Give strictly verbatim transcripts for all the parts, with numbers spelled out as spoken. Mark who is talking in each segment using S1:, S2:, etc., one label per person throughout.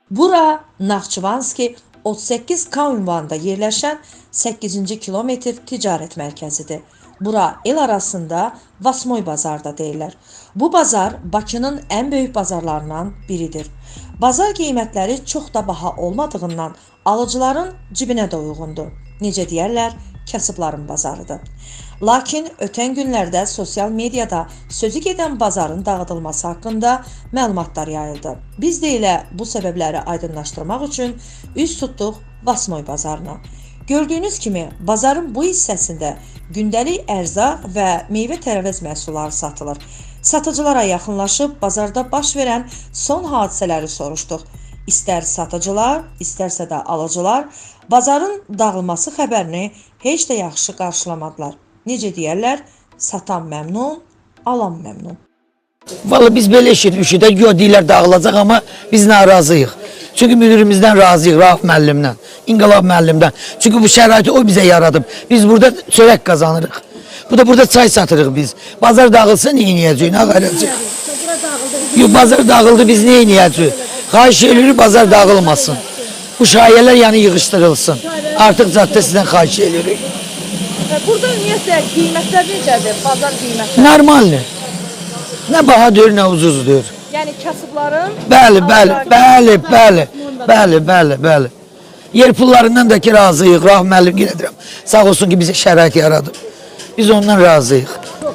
S1: Bura Naxçıvanski otuz səkkiz K ünvanında yerləşən səkkizinci kilometr ticarət mərkəzidir. Bura el arasında Vasmoy bazarda deyirlər. Bu bazar Bakının ən böyük bazarlarından biridir. Bazar qiymətləri çox da baha olmadığından alıcıların cibinə də uyğundur. Necə deyərlər, kasıbların bazarıdır. Lakin ötən günlərdə sosial mediada sözü gedən bazarın dağıdılması haqqında məlumatlar yayıldı. Biz də elə bu səbəbləri aydınlaşdırmaq üçün üz tutduq Vasmoy bazarına. Gördüyünüz kimi bazarın bu hissəsində gündəlik ərzaq və meyvə-tərəvəz məhsulları satılır. Satıcılara yaxınlaşıb bazarda baş verən son hadisələri soruşduq. İstər satıcılar, istərsə də alıcılar bazarın dağılması xəbərini heç də yaxşı qarşılamadılar. Necə deyərlər, satan məmnun, alan məmnun.
S2: Vallahi biz belə eşitmişik də, yox deyirlər dağılacaq, amma biz narazıyıq. Çünki müdirimizdən razıyıq, Rauf müəllimdən, İnqilab müəllimdən. Çünki bu şəraiti o bizə yaradıb. Biz burada çörək qazanırıq. Bu da burada çay satırıq biz. Bazar dağılsa nə edəcəyik, nə qaracaq? Yox, bazar dağıldı, biz nə edəcəyik? Xahiş edirik, bazar dağılmasın. Bu şayələr yəni yığışdırılsın. Artıq caddə sizdən xahiş edirik.
S3: Burada ümumiyyətlə qiymətlər necədir, bazar qiymətləri?
S2: Normaldir. Nə baha deyir, nə ucuz deyir.
S3: Yəni kasıbların?
S2: Bəli, bəli, bəli, bəli, bəli, bəli, bəli. Yer pullarından da ki razıyıq, Rauf müəllim gedirəm. Sağ olsun ki bize şərait yaradıb. Biz ondan razıyıq.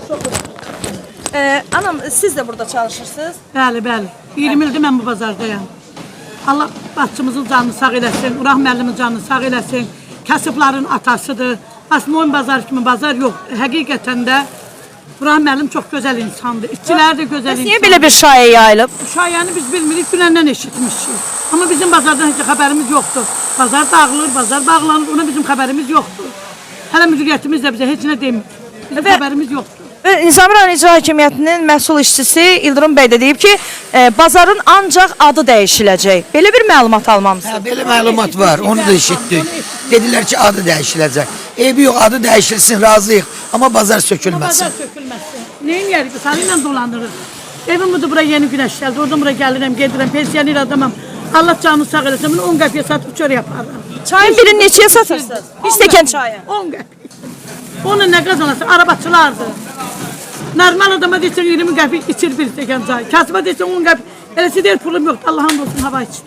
S3: Ee, anam, siz de burada çalışırsınız?
S4: Bəli, bəli. iyirmi ildir mən bu bazardayım. Allah başçımızın canını sağ eləsin, Rauf müəllimin canını sağ eləsin. Kasıbların atasıdır. Vasmoy bazar kimi bazar yox. Həqiqətən də Rauf müəllim çox gözəl insandır. İşçilər də gözəl insandır.
S3: Niyə belə bir şayə yayılıb?
S4: Şayəni biz bilmirik, dünəndən eşitmişik. Amma bizim bazardan heç xəbərimiz yoxdur. Bazar dağılır, bazar bağlanır, ona bizim xəbərimiz yoxdur. Hələ müdiriyyətimiz də bizə heç nə demir. Bizim
S3: Və,
S4: xəbərimiz yoxdur.
S3: Nizami rayon İcra Hakimiyyətinin məhsul işçisi İldırım bəy də deyib ki, e, bazarın ancaq adı dəyişiləcək. Belə bir məlumat almamısınız.
S2: Hə, belə məlumat var, onu da eşitdik. Dedilər ki adı dəyişiləcək. Eybi yox, adı dəyişilsin, razıyıq. Amma bazar sökülməsin.
S4: Bazar sökülməsin. Neyin yerik? Sarıyla dolandırır. Evimizdə bura yeni güneş gəldi. Oradan buraya gəlirəm, gedirəm, pensiyoner adamam. Allah canını sağ eləsin. Bunu on qəpiyə satıb çör yaparım.
S3: Çayın birini neçəyə satırsınız? Bir stəkan çayı.
S4: on qəpiyə. Onu nə qazanası? Arabaçılardır. Normal adama deyirsən iyirmi qəpiyə içir bir stəkan çay. Kasıba deyirsən on qəpiyə. Eləsi deyir pulum yoxdur. Allah'ın olsun hava içir.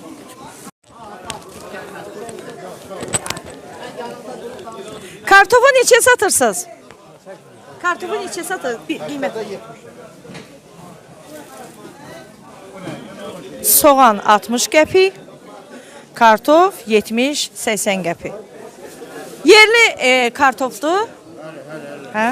S3: Kartofu neçəyə satırsınız? Kartofu neçəyə satır? Bir qiymət. Soğan altmış qəpik, kartof yetmiş səksən qəpik. Yerli e, kartofdur. Hə?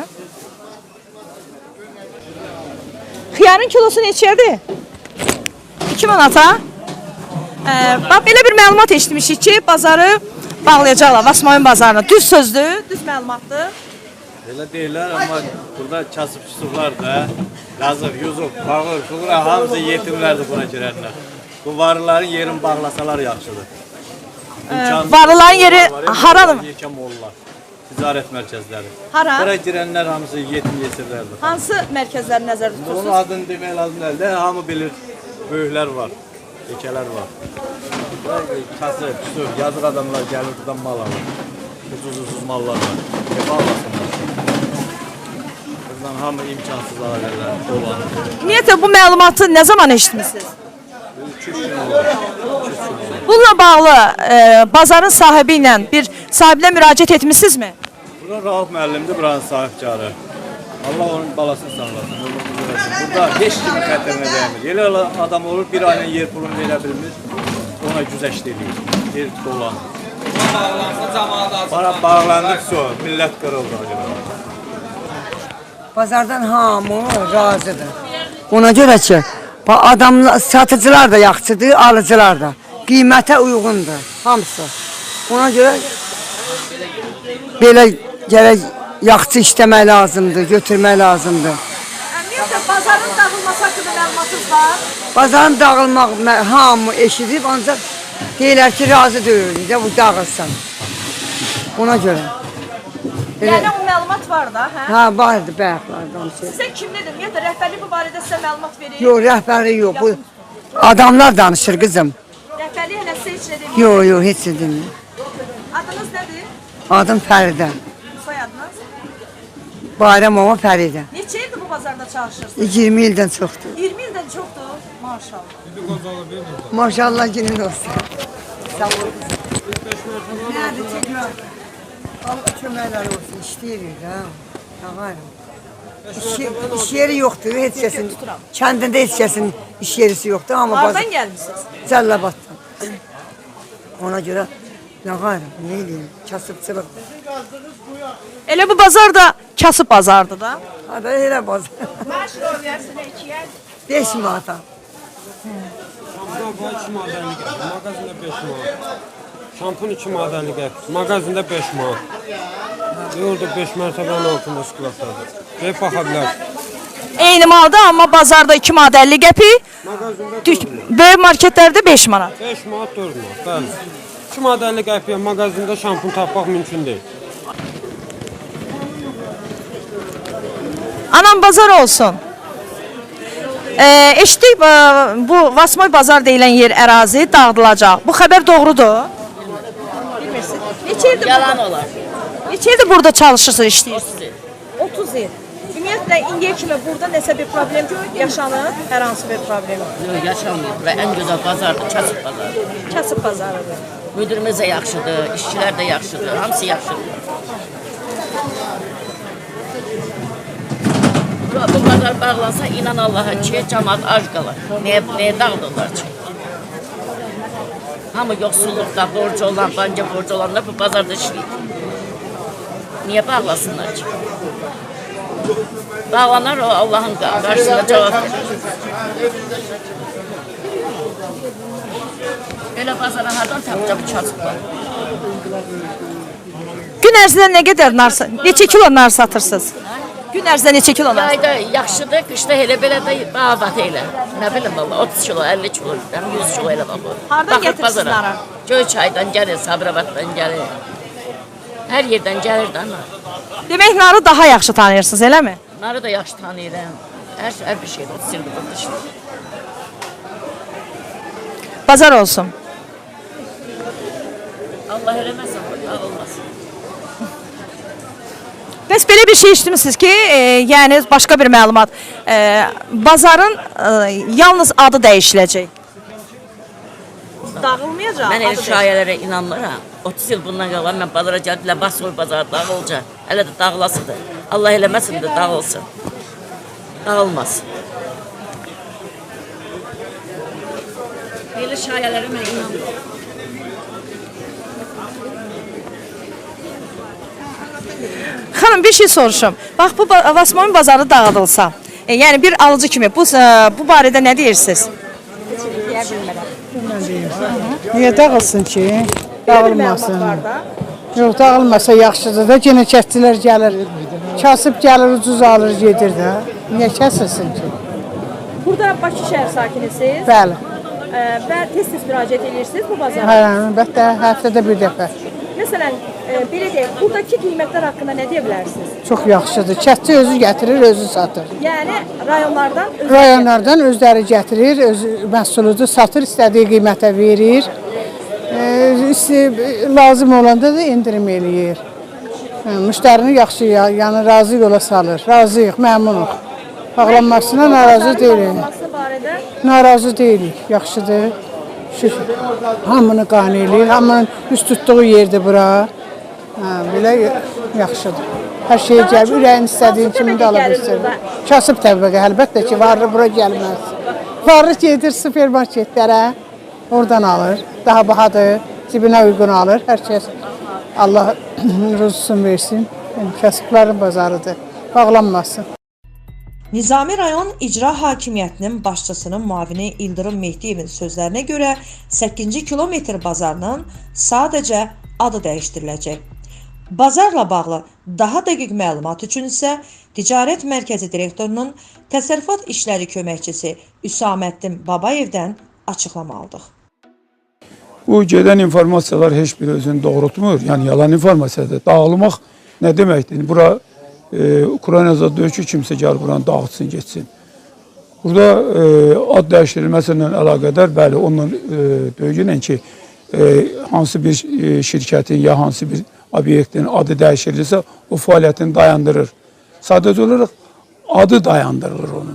S3: Xiyarın kilosu neçədir? iki manata. E, bax, belə bir məlumat eşitmişik ki, bazarı bağlayacaqlar, Vasmoyun bazarına. Düz sözdür, düz məlumatdır.
S5: Elə deyirlər, amma burada kasıbçılar da, Lazıq, Yusuf, Bağır, Şuğra hamısı yetimlərdir buna girənlər. Bu varıların yerini bağlasalar yaxşıdır.
S3: Ee, varıların yeri haradır?
S5: Yekəm olurlar, ticarət mərkəzləri.
S3: Hara?
S5: Bura girənlər hamısı yetim yesirlərdir.
S3: Hansı mərkəzləri nəzərdə
S5: Onun
S3: tutursunuz?
S5: adını demək lazım deyil, hamı bilir, böyüklər var, yekələr var. Kasıb, küsür, yazıq adamlar gəlir buradan mal alır. Ucuz-ucuz mallar var. Hep almasınlar. Buradan hamı imkansız ailələr dolanır.
S3: Ümumiyyətlə bu məlumatı nə zaman eşitmisiniz?
S5: üç gün olur.
S3: Bununla bağlı e, bazarın sahibi ilə bir sahibinə müraciət etmisinizmi?
S5: Bura Rauf müəllimdir, buranın sahibkarı. Allah onun balasını sağlasın. Burada heç kimin xətrinə dəymir. Elə adam olur, bir ayla yer pulunu verə bilmir, ona güzəşt edir, yer dolanır. Bana bağlandık sonra, millət qırıldı.
S6: Bazardan hamı razıdır. Ona görə ki, adamlar, satıcılar da yaxşıdır, alıcılar da. Qiymətə uyğundur, hamısı. Ona görə belə gərək yaxşı işləmək lazımdır, götürmək lazımdır.
S3: Ümumiyyətlə bazarın dağılması haqqında məlumatınız var?
S6: Bazarın dağılmaq hamı eşidib, ancaq deyirlər ki, razı deyilir də bu dağılsın. Ona görə.
S3: Yəni o məlumat var da, hə?
S6: Hə, vardı bayaqlardan şey.
S3: Sizə kimlidir? Ümumiyyətlə rəhbərlik bu barədə sizə məlumat verir?
S6: Yox, rəhbəri yox. Bu adamlar danışır qızım.
S3: Rəhbərlik hələ heç nə demir.
S6: Yox, yox, heç nə demir.
S3: Adınız nədir?
S6: Adım Fəridə.
S3: Soyadınız?
S6: Bayramova Fəridə.
S3: Neçə ildir bu bazarda çalışırsınız?
S6: iyirmi ildən çoxdur.
S3: iyirmi ildən çoxdur. Maşallah.
S6: Maşallah günün olsun. Sağ olun. Nədir çəkmə? Allah köməklər olsun, işləyirik ha. Ağarım. İş, iş yeri yoxdur, heç kəsin. Kəndində heç kəsin iş yerisi yoxdur. Amma
S3: Hardan gəlmisiniz?
S6: Cəllabatdan. Ona görə ağarım, nə eləyim, kasıbçılıq.
S3: Elə bu bazar da kasıb bazardır da.
S6: Hada elə bazar. beş manata.
S7: Şampuan iki manat əlli qəpik, mağazində beş manat. Şampun iki manat əlli qəpik, mağazində beş manat. Yolda beş mərtəbənin altında şokoladdır. Ve baxa bilər.
S3: Eyni malda amma bazarda iki manat əlli qəpik,
S7: Mağazində
S3: düş- böyük marketlərdə beş manat.
S7: beş manat, dörd manat, bəli. iki manat əlli qəpiyə mağazində şampun tapmaq mümkün deyil.
S3: Anam bazar olsun. Ee, eşitdik e, bu Vasmoy bazar deyilən yer ərazi dağıdılacaq. Bu xəbər doğrudur? Bilmirsiniz. Neçə ildir
S8: Yalan olar.
S3: Neçə ildir burada çalışırsınız, işləyirsiniz? otuz il. Ümumiyyətlə indiyə kimi burada nəsə bir problem yaşanır, hər hansı bir problem.
S8: Yox, yaşamıyor. Bura ən gözəl bazardır, kasıb bazarı.
S3: Kasıb bazarıdır.
S8: Müdürümüz də yaxşıdır, işçilər də yaxşıdır, hamısı yaxşıdır. Bura, bu bazar bağlansa inan Allaha ki, cəmaat ac qalar. Nəyə, nəyə dağıdırlar ki? Hamı yoxsulluqda, borcu olan, banka borcu olanlar bu bazarda işləyir. Niyə bağlasınlar ki? Bağlanar o Allah'ın karşısında cevap verir. Öyle bazara hardan tapacaq bu kasıblar?
S3: Gün ərzində nə qədər nar, neçə kilo nar satırsınız? Gün ərzində neçə kilo nar?
S8: Yayda yaxşıdır, qışda elə belə də babat elə. Nə bilim valla otuz kilo, əlli kilo, yüz kilo elə bax.
S3: Hardan getirsiniz narı?
S8: Göyçaydan gəlir, Sabirabaddan gəlir. Hər yerdən gəlir də nar.
S3: Demək narı daha yaxşı tanıyırsınız, eləmi?
S8: Narı da yaxşı tanıyıram. Hər, hər bir şeydə otuz il burada işləyir.
S3: Bazar olsun.
S8: Allah eləməsin, dağılmasın.
S3: Bəs belə bir şey eşitmişsiniz ki, e, yəni başqa bir məlumat, e, bazarın e, yalnız adı dəyişiləcək. Dağılmayacaq.
S8: Mən elə şayələrə inanmıram. otuz il bundan qalan mən bazara gəldilər, Vasmoy bazarı dağılacaq. Hələ də dağılasıdır. Allah eləməsin də dağılsın. Dağılmasın. Elə şayələrə mən inanmıram.
S3: Xanım, bir şey soruşum. Bax, bu ba- Vasmoyun bazarı dağıdılsa, e, yəni bir alıcı kimi bu, e, bu barədə nə deyirsiniz?
S9: Niyə dağılsın ki? Dağılmasın. Yox, dağılmasa yaxşıdır da, yenə kəsçilər gəlir. Kasıb gəlir, ucuz alır, gedir də. Niyə kəsilsin ki?
S3: Burada Bakı şəhər sakinisiniz
S9: Bəli.
S3: e, və tez-tez müraciət edirsiniz bu bazara.
S9: Hə, əlbəttə, həftədə bir dəfə.
S3: Məsələn, e, belə deyək, buradakı qiymətlər haqqında nə deyə bilərsiniz?
S9: Çox yaxşıdır. Kəsçi özü gətirir, özü satır.
S3: Yəni rayonlardan öz
S9: Rayonlardan özləri gətirir, öz məhsuludur, satır, istədiyi qiymətə verir. E, isti- lazım olanda da endirim eləyir. Hə, müştərini yaxşı, ya- yəni razı yola salır. Razıyıq, məmnunuq. Bağlanmasına narazı deyilik.
S3: Olması barədə
S9: Narazı deyilik, yaxşıdır. Şükür. Hamını qane eləyir, hamının üst tutduğu yerdir bura. Hə, belə yaxşıdır. Hər şey gəlir, ürəyin istədiyin kimi də ala bilsin. Kasıb təbəqə, əlbəttə ki, varlı bura gəlməz. Varlı gedir supermarketlərə, oradan alır. Daha bahadır, cibinə uyğun alır. Hər kəs Allah ruzusunu versin. Yəni, kasıbların bazarıdır, bağlanmasın.
S1: Nizami rayon icra hakimiyyətinin başçısının müavini İldırım Mehdiyevin sözlərinə görə səkkizinci kilometr bazarının sadəcə adı dəyişdiriləcək. Bazarla bağlı daha dəqiq məlumat üçün isə Ticarət Mərkəzi direktorunun təsərrüfat işləri köməkçisi Üsaməddin Babayevdən açıqlama aldıq.
S10: Bu gedən informasiyalar heç bir özünü doğrultmur. Yəni yalan informasiyadır. Dağılmaq nə deməkdir? Bura e, Ukraynada deyir ki, kimsə gəl buranı dağıtsın, getsin. Burada e, ad dəyişdirilməsi ilə əlaqədar, bəli, onunla e, deyilən ki, e, hansı bir e, şirkətin ya hansı bir obyektin adı dəyişirilirsə, o fəaliyyətini dayandırır. Sadəcə olaraq adı dayandırılır onun.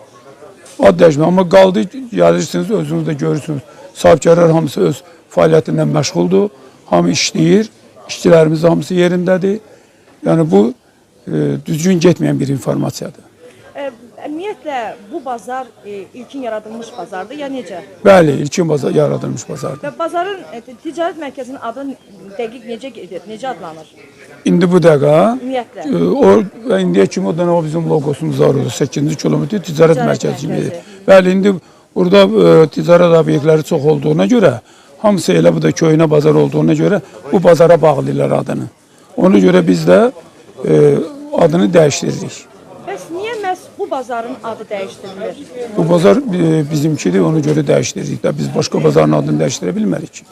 S10: Ad dəyişmir. Amma qaldı, gəlirsiniz, özünüz də görürsünüz. Sahibkarlar hamısı öz fəaliyyətindən məşğuldur. Hamı işləyir. İşçilərimiz hamısı yerindədir. Yəni bu e, düzgün getməyən bir informasiyadır.
S3: E, ümumiyyətlə bu bazar e, ilkin yaradılmış bazardır ya necə?
S10: Bəli, ilkin bazar yaradılmış bazardır.
S3: Və bazarın e, ticarət mərkəzinin adı dəqiq necə gedir? Necə adlanır?
S10: İndi bu dəqiqə
S3: Ümumiyyətlə.
S10: e, o indiyə kimi o da o bizim loqosumuz var orada. səkkizinci kilometr ticarət
S3: Ticarət
S10: mərkəzi kimi.
S3: mərkəzi.
S10: Bəli, indi burada e, ticarət obyektləri çox olduğuna görə, hamısı elə bu da köhnə bazar olduğuna görə bu bazara bağlayırlar adını. Ona görə biz də e, adını dəyişdiririk.
S3: Bəs niyə məhz bu bazarın adı dəyişdirilir?
S10: Bu bazar e, bizimkidir, ona görə dəyişdiririk də. Biz başqa bazarın adını dəyişdirə bilmərik ki.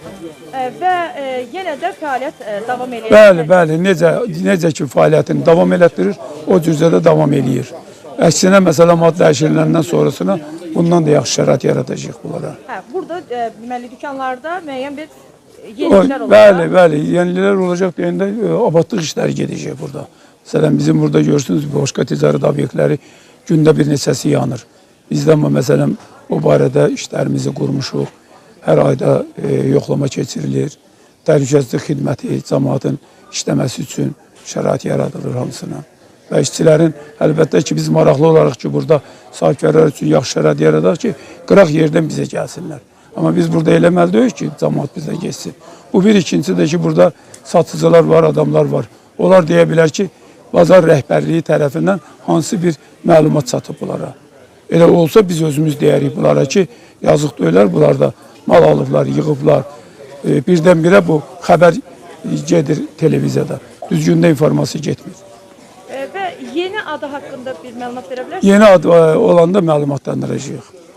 S3: E, və e, yenə də fəaliyyət e, davam edir.
S10: Bəli, bəli, necə necə ki fəaliyyətini davam elətdirir, o cüzdə də davam eləyir. Əksinə məsələn ad dəyişiriləndən sonrasına bundan da yaxşı şərait yaradacağıq bunlara.
S3: Hə, burada e, deməli dükanlarda müəyyən bir
S10: O,
S3: yeniliklər olacaq.
S10: bəli, bəli, yenilər olacaq deyəndə e, abadlıq işləri gedəcək burada. Məsələn bizim burada görürsünüz başqa ticarət obyektləri gündə bir neçəsi yanır. Bizdə amma məsələn o barədə işlərimizi qurmuşuq. Hər ayda e, yoxlama keçirilir. Təhlükəsizlik xidməti cəmaatın işləməsi üçün şərait yaradılır hamısına. Və işçilərin əlbəttə ki biz maraqlı olaraq ki burada sahibkarlar üçün yaxşı şərait yaradaq ki qıraq yerdən bizə gəlsinlər. Amma biz burada eləməli deyirik ki cəmaat bizə geçsin. Bu bir, ikincisi də ki burada satıcılar var, adamlar var. Onlar deyə bilər ki bazar rəhbərliyi tərəfindən hansı bir məlumat çatıb bunlara. Elə olsa biz özümüz deyərik bunlara ki yazıq deyirlər bunlar da mal alıblar, yığıblar. E, birdən-birə bu xəbər gedir televiziyada. Düzgün də informasiya getmir.
S3: E, və yeni adı haqqında bir məlumat verə bilərsiniz?
S10: Yeni ad e, olanda məlumatlandıracağıq.